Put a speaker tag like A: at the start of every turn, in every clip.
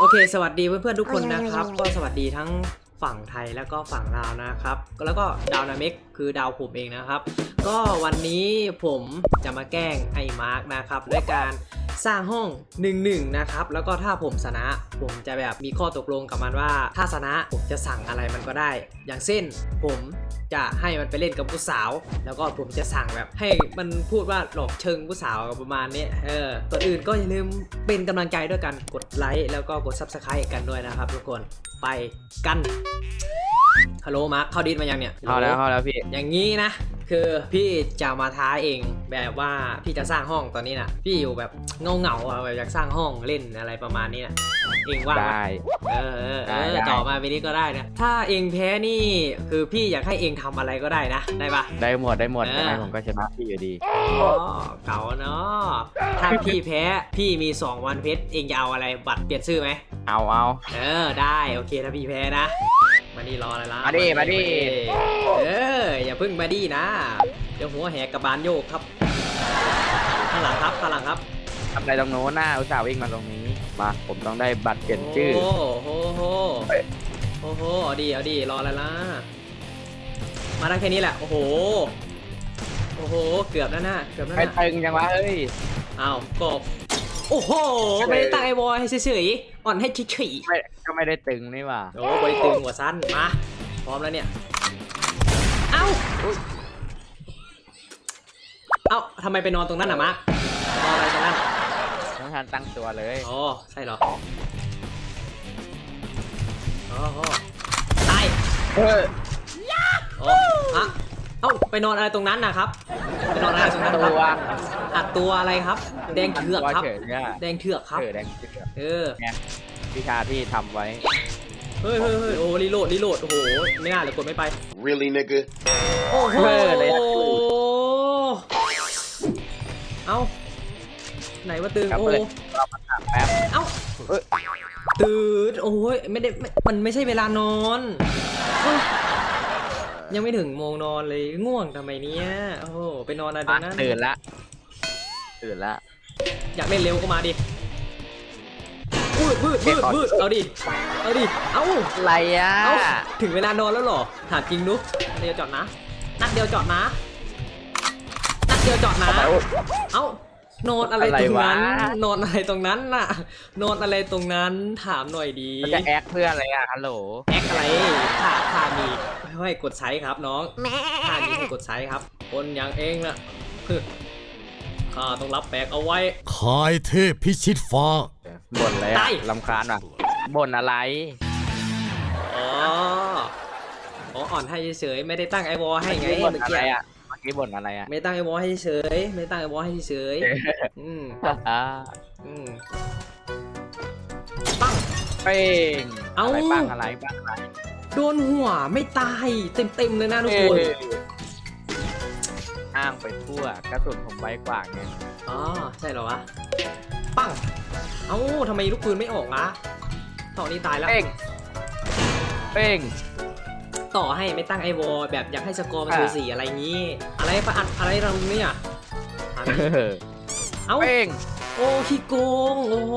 A: โอเคสวัสดีเพื่อนๆทุกคนนะครับก็สวัสดีทั้งฝั่งไทยแล้วก็ฝั่งลาวนะครับแล้วก็ดาวนาเมกคือดาวผมเองนะครับก็วันนี้ผมจะมาแกล้งไอ้มาร์กนะครับด้วยการสร้างห้อง1-1นะครับแล้วก็ถ้าผมชนะผมจะแบบมีข้อตกลงกับมันว่าถ้าชนะผมจะสั่งอะไรมันก็ได้อย่างเช่นผมจะให้มันไปเล่นกับผู้สาวแล้วก็ผมจะสั่งแบบให้มันพูดว่าหลอกเชิงผู้สาวประมาณนี้ก่อนอื่นก็อย่าลืมเป็นกำลังใจด้วยกันกดไลค์แล้วก็กด Subscribe กันด้วยนะครับทุกคนไปกันฮัลโหลมาร์คเข้าดิสมายังเนี่ย
B: เข้าแล้วพี่
A: อย่างนี้นะคือพี่จะมาท้าเองแบบว่าพี่จะสร้างห้องตอนนี้นะพี่อยู่แบบเงาแบบอยากสร้างห้องเล่นอะไรประมาณนี้นะเองว่า
B: ได้
A: จ่อมาไปนี้ก็ได้นะถ้าเองแพ้นี่คือพี่อยากให้เองทำอะไรก็ได้นะได้ปะ
B: ได้หมดยังไงผมก็ชนะพี่อยู่ดี
A: เก่าเนาะถ้าพี่แพ้พี่มี2วันเพชรเองจะเอาอะไรบัตรเปลี่ยนชื่อไหม
B: เอา
A: ได้โอเคถ้าพี่แพ้นะมาดิรออะไรล่ะ
B: มาดิ
A: อย่าพึ่งมาดินะเดี๋ยวหัวแหกกระบาลโยกครับข้างหลังครับทำ
B: อะไรตรงโน้นหน้าอุตส่าห์วิ่งมาตรงนี้มาผมต้องได้บัตรเปลี่ยนชื่อ
A: โอ้โหเอาดีรออะไรล่ะมาได้แค่นี้แหละโอ้โหเกือบแล้วนะ
B: ไม่ตึงจังวะเฮ้ย
A: อ้าวกบโอ้โหไม่ได้ตั้งไอ้บอยให้เฉยๆอ่อนให้เฉย
B: ๆก็ไม่ได้ตึงนี่ว่า
A: โอ้บอยตึงหัวสั้นมาพร้อมแล้วเนี่ยเอ้าทำไมไปนอนตรงนั้นอ่ะมาร์คนอนอะไรตรงนั้น
B: ต้องทันตั้งตัวเลย
A: อ๋อใช่เหรอตายไปนอนอะไรตรงนั้นนะครับไปนอนอะไรตรงนั้นครับอัดตัวอะไรครับแดงเถือกครับแดงเถือกครับ
B: ไงวิชาที่ทำไว้
A: เฮ้ยโอ้รีโหลดโอ้โหไม่น่าเลยกดไม่ไป
C: really nigga
A: โอ้โหไหนว่าตื่นโอ้ตื่นโอ้ยไม่ได้มันไม่ใช่เวลานอนยังไม่ถึงโมงนอนเลยง่วงทำไมเนี้ยโอ้โหไปนอนอะไรตรงนั้น
B: ตื่นละ
A: อยากเล่นเร็วก็มาดิบืดเอาดิ
B: อะไรอ่ะ
A: ถึงเวลานอนแล้วหรอถามจริงนุ๊กนัดเดียวจอดนะนอนอะไรตรงนั้นน่ะนอนอะไรตรงนั้นถามหน่อยดี
B: จะแอคเพื่ออะไรอ่ะฮัลโหล
A: แอคอะไรถ้ามีให้กดใช้ครับน้องถ้ามีให้กดใช้ครับคนอย่างเองน่ะข้าต้องรับแบกเอาไว้
D: คายเทพพิชิตฟ้า
B: บ่นอะไรอ่ะรำคาญว่ะบ่นอะไร
A: อ่อนให้เฉยไม่ได้ตั้งไอวอลให้ไง
B: เมื่อกี้บ่นอะไรอ่ะ
A: ไม่ตั้งไอวอลให้เฉยปัง
B: เป้งอะไร
A: โดนหัวไม่ตายเต็มเลยนะทุกคน
B: อ้างไปทั่วกระสุนผมไวกว่าไง
A: ใช่เหรอวะปังทำไมลูกปืนไม่ออกนะตอนนี้ตายแล้ว
B: เป้ง
A: ต่อให้ไม่ตั้งไอวอลแบบอยากให้สกอร์มันสูสีอะไรงี้อะไรประอัดอะไรเราเนี่ย
B: เป้ง
A: โอ้ขี้โกงโอ้โห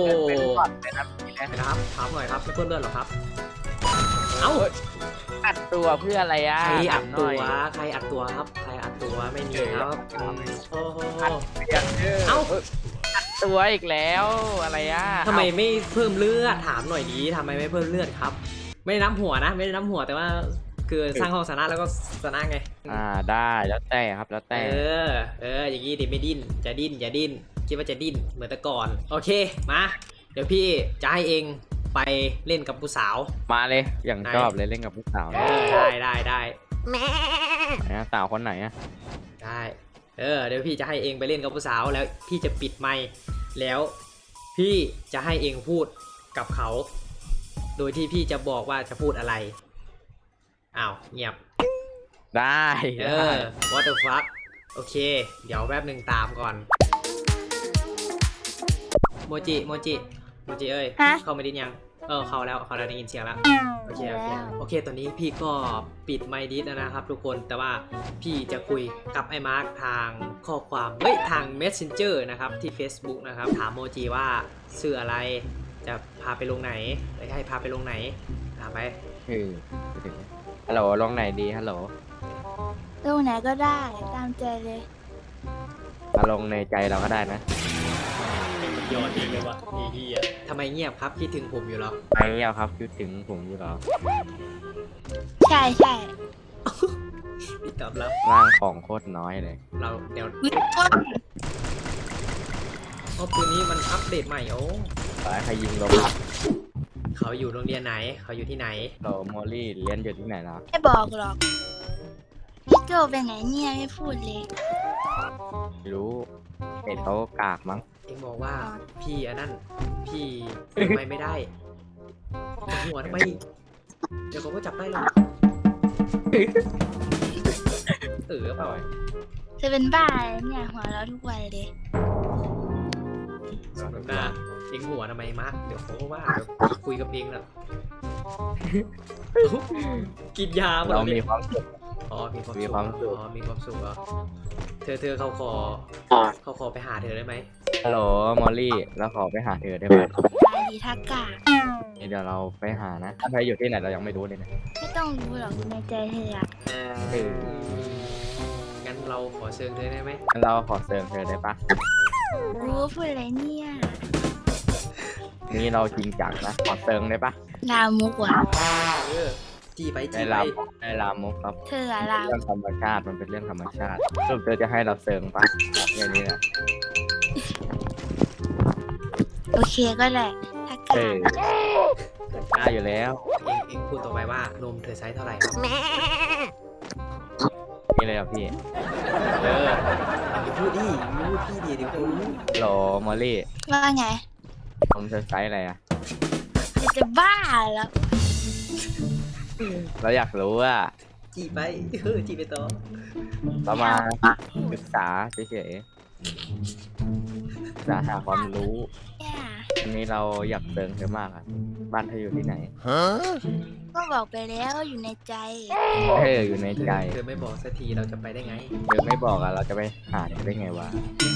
A: นะครับถามหน่อยครับไม่เพิ่มเลือดหรอครับ
B: อัดตัวเพื่ออะไรอ่ะ
A: ใครอัดตัวครับใครอัดตัวไม่มีครับโอ้โห
B: อัดตัวอีกแล้วอะไรอ่ะ
A: ทำไมไม่เพิ่มเลือดถามหน่อยดีทำไมไม่เพิ่มเลือดครับไม่ได้น้ำหัวนะไม่ได้น้ำหัวแต่ว่าคือสร้างห้องชนะแล้วก็ชนะไง
B: ได้แล้วแต่ครับแล้วแต่
A: อย่างนี้ดิไม่ดิ้นอย่าดิ้นคิดว่าจะดิ้นเหมือนแต่ก่อนโอเคมาเดี๋ยวพี่จะให้เองไปเล่นกับผู้สาว
B: มาเลยอย่างชอบเลยเล่นกับผู้สาว
A: ได้
B: สาวคนไหนอ่ะ
A: ได้เดี๋ยวพี่จะให้เองไปเล่นกับผู้สาวแล้วพี่จะปิดไมค์แล้วพี่จะให้เองพูดกับเขาโดยที่พี่จะบอกว่าจะพูดอะไรเงียบ
B: ได้
A: what the fuck โอเคเดี๋ยวแป๊บหนึ่งตามก่อนโมจิเอ้ยเข้ามาดิยังเข้าแล้วได้ยินเสียงแล้วโอเคตอนนี้พี่ก็ปิดไมค์ดิสนะครับทุกคนแต่ว่าพี่จะคุยกับไอ้มาร์คทางข้อความทาง Messenger นะครับที่ Facebook นะครับถามโมจิว่าชื่ออะไรจะพาไปลงไหนไม่ให้พาไปลงไหนถามไป
B: เออไปถึงฮัลโหลลงไหนดีฮัลโหล
C: ลูกไหนก็ได้ตามใจเลย
B: มาลงในใจเราก็ได้นะ
A: ยอดจริงเลยวะเฮียทำไมเงียบครับคิดถึงผมอยู่เหรอ
B: ไม่เงียบครับคิดถึงผมอยู่เหรอ
C: ใช่ใช่
A: พี่ตอบรับ
B: ร่างของโคตรน้อยเลย
A: เราเดี๋ยว
C: อุ๊ย
A: เอาปืนนี้มันอัปเดตใหม่โอ้
B: ขอให้ใครยิงลง
A: เขาอยู่โรงเรียนไหนเขาอยู่ที่ไหน
B: โหลโมลี่เรียนอยู่ที่ไหนล่ะ
C: ไม่บอกหรอกพี่โจไปไหนเนี่ยไม่พูดเลย
B: ไม่รู้เห็นเขากากมั้ง
A: เองบอกว่าพี่อันนั้นพี่ทำไมไม่ได้จับหัวทำไมเดี๋ยวเขาก็จับได้หรอกเปล่า
C: จะเป็นบ้าอะไรเนี่ยหัวเราะทุกวันเลย
A: สมน้ำหน้าเองหัวทำไมมาร์คเดี๋ยวเขาก็ว่าเดี๋ยวคุยกับเองน่ะกินยาหมด
B: เรา
A: เลย
B: มีความสุข
A: อ๋อมีความ
B: มี
A: สุข
B: ความสุข
A: อ๋อมีความสุขเหรอเธอเขาขอไปหาเธอได้ไหม
B: ฮัลโหลโมลี่เราขอไปหาเธอได้ไหม
C: ตายดีทักกะ
B: เดี๋ยวเราไปหานะถ้าเธออยู่ที่ไหนเรายังไม่รู้เลยนะ
C: ไม่ต้องรู้หรอกในใจเธออะ
B: เออ
A: งั้นเราขอเชิญเธอได้ไหม
B: งั้นเราขอเซิร์ฟเธอได้ปะ
C: รู้พูดอะไรเนี่ย
B: นี่เราจริงจังนะขอเซิร์ฟได้ปะ
C: ลามุกว่ะ
A: เออจี้ไป
B: ได้
A: จี้ไป
B: ลามได้ลามกครับ
C: เธออะลา
B: เรื่องธรรมชาติมันเป็นเรื่องธรรมชาติสรุปเธอจะให้เราเซิร์ฟปะอย่างนี้นะ
C: โอเคก็ได้ทักกะ
B: เออได้อยู่แล้ว
A: เองพูดต่อไปว่านมเธอไซส์เท่าไหร่ครับ
B: นี่เลยอ่ะพี่
A: เอออย่าพูดดิอย่าพูดพี่ดิเดี๋ยวเขารู้
B: โหลมอลลี่
C: ว่าไง
B: ผมเธอไซส์อะไรอ่ะ
C: จะบ้าแล้ว
B: เราอยากรู้ว่า
A: จี้ไปจี้ไปต่อ
B: เรามาศึกษาเฉยๆศึกษาหาความรู้
C: เนี่ย
B: วันนี้เราอยากเซิร์ฟเธอมากอ่ะบ้านเธออยู่ที่ไหน
C: ก็บอกไปแล้วอยู่ในใจ
B: เอออยู่ในใจ
A: เธอไม่บอกสักทีเราจะไปได้ไง
B: เธอไม่บอกอ่ะเราจะไปหาเธอได้ไงวะ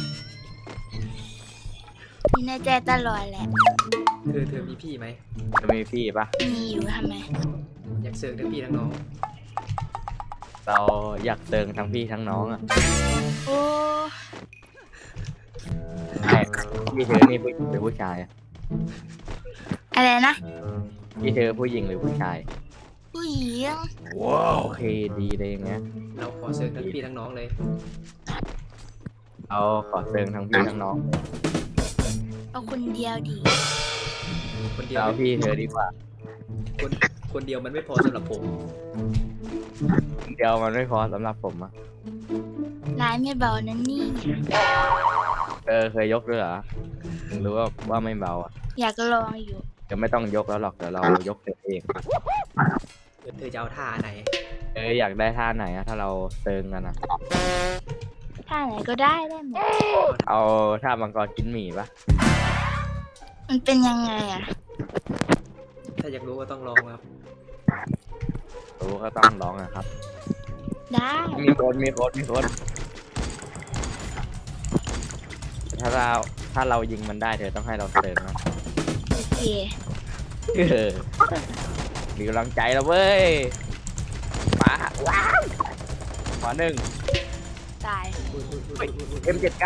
C: อยู่ในใจตลอดแหละ
A: เธอมีพี่ไหม
B: จะมีพี่ปะ
C: มีอยู่ทำไม
A: อยากเสิร์ฟทั้งพี่ทั้งน้อง
B: เราอยากเซิร์ฟทั้งพี่ทั้งน้องอ่ะ
C: โอ้
B: ใช่พี่เธอนี่ผู้หญิงหรือผู้ชายอะ
C: อะไรนะ
B: พี่เธอผู้หญิงหรือผู้ชาย
C: ผู้หญิง
B: โอเคดีเลยอย่างเงี้ย
A: เราขอเสิร์ฟทั้งพี่ทั้งน้องเลย
B: เราขอเซิร์ฟทั้งพี่ทั้งน้อง
C: เอาคนเดียวดี
A: คนเดียว
B: เราพี่เธอดีกว่า
A: คนเดียวมันไม่พอสำหรับผม
B: เดียวมันไม่พอสำหรับผมอะ
C: นายไม่เบานั่นนี่
B: เคยยกด้วยเหรอถึงรู้ว่าไม่เบาอ่ะ
C: อยากลองอยู่
B: เดี๋ยวไม่ต้องยกแล้วหรอกเดี๋ยวเรายกเธอเอง
A: เธอจะเอาท่าไหน
B: อยากได้ท่าไหนอะถ้าเราเซิร์ฟกันอะ
C: ท่าไหนก็ได้ได้หมด
B: เอาท่ามังกรกินหมี่ปะ
C: มันเป็นยังไงอ่ะ
A: ถ้าอยากรู้ก็ต้องลองครับ
B: รู้ก็ต้องร้องอะครับ
C: ได้
B: มีคนถ้าเรายิงมันได้เธอต้องให้เราเซิร์ฟนะ
C: โอเค
B: มีกำลังใจแล้วเว้ยมาว้าวขอหนึ่ง
C: ตาย
B: M79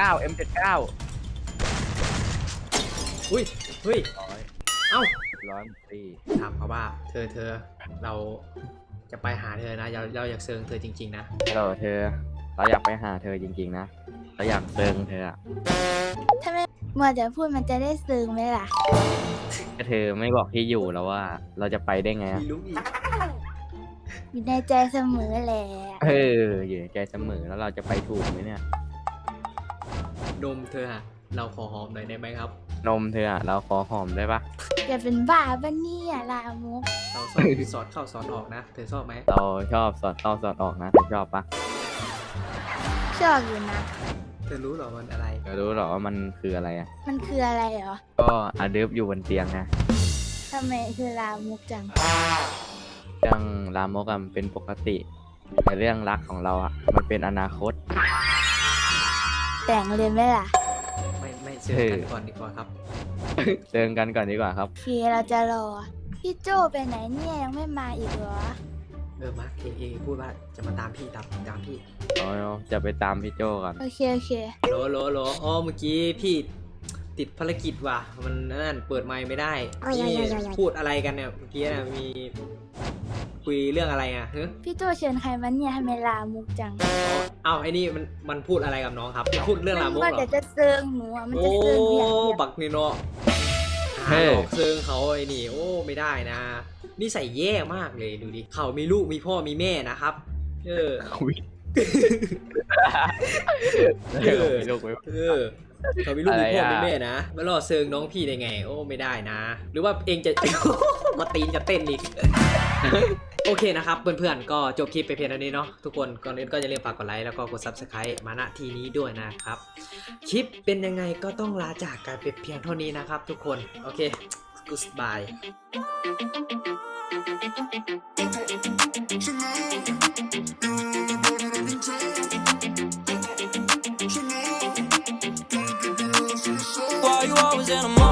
A: อุ้ยเฮ้ย เอ้า
B: ร้อยปี
A: ถามเขาว่าเธอเราจะไปหาเธอนะเราอยากเซิร์ฟเธอจริงๆนะ
B: ฮัลโหลเธอ เราอยากไปหาเธอจริงๆนะเราอยากเซิร์ฟเธออะ
C: ถ้าไม่มัวแต่พูดมันจะได้ซึ้งไหมล่ะ
B: ถ้าเธอไม่บอกที่อยู่แล้วว่า เราจะไปได้ไงอะ
A: มีรู้อีก
C: อยู่ในใจเสมอแหละ
B: อยู่ในใจเสมอแล้วเราจะไปถูกไหมเนี่ย
A: นมเธออะเราขอหอมหน่อยได้ไหมครับ
B: นมเธออะเราขอหอมได้ปะ
C: จะเป็นบ้าบ้าเนี่ยลามุก
A: เราสอดเข้าสอดออกนะ เธอชอบไหม
B: เราชอบสอดเข้าสอดออกนะเธอชอบปะ
C: ชอบอยู่นะ
A: เธอรู้เหรอมันอะไร
B: เธอรู้หรอว่ามันคืออะไรอะ
C: มันคืออะไรเหรอ
B: ก็อาเดิฟอยู่บนเตียงนะ
C: ทำไมคือลามุกจัง
B: เรื่องรามกอะมันเป็นปกติ แต่เรื่องรักของเราอะมันเป็นอนาคต
C: แต่งเลยไหมล่ะ
A: ไม่เซิร์ฟกันก่อนดีกว่าครับ
B: เจอกันก่อนดีกว่าครับ
C: โอเคเราจะรอ พี่โจไปไหนเนี่ยยังไม่มาอีกเหรอ
A: มาร์คเองพูดว่าจะมาตามพี่ตามพี่
B: เอาจะไปตามพี่โจก่อน
C: โอเค
A: โหลอ๋อเมื่อกี้พี่ติดภารกิจว่ะมันนั่นเปิดไมค์ไม่ได้นี่พูดอะไรกันเนี่ยเมื่อกี้นะมีคุยเรื่องอะไรอ่ะเฮ้ย
C: พี่โจเชิญใครมาเนี่ยทำไมลามุกจัง
A: เอาไอ้นี่มันพูดอะไรกับน้องครับพูดเรื่องรามก
C: ว่า
A: เหรอ
C: แต่จะเซิงหนูอ่ะมัน
A: โอ้
C: จะเซิงเรียก
A: บักนี่เนาะ
B: เฮ้
A: หาหลอกเซิงเขาไอ้นี่โอ้ไม่ได้นะนิสัยแย่มากเลยดูดิเขามีลูกมีพ่อมีแม่นะครับเออ
B: อุ๊ย
A: เออ
B: มีลูกไว้
A: เขามีลูกมีพ่อ
B: อะไรอะ
A: มีแม่นะมาล่อเซิงน้องพี่ได้ไง โอ้ไม่ได้นะ หรือว่าเองจะ มาตีนจะเต้นอีก โอเคนะครับเพื่อนๆก็จบคลิปไปเพียงเท่านี้เนาะทุกคนก่อนอื่นก็อย่าลืมฝากกดไลค์แล้วก็กด Subscribe มาณที่นี้ด้วยนะครับคลิปเป็นยังไงก็ต้องลาจากกันไปเพียงเท่านี้นะครับทุกคนโอเค goodbye
E: Why you always in a mood?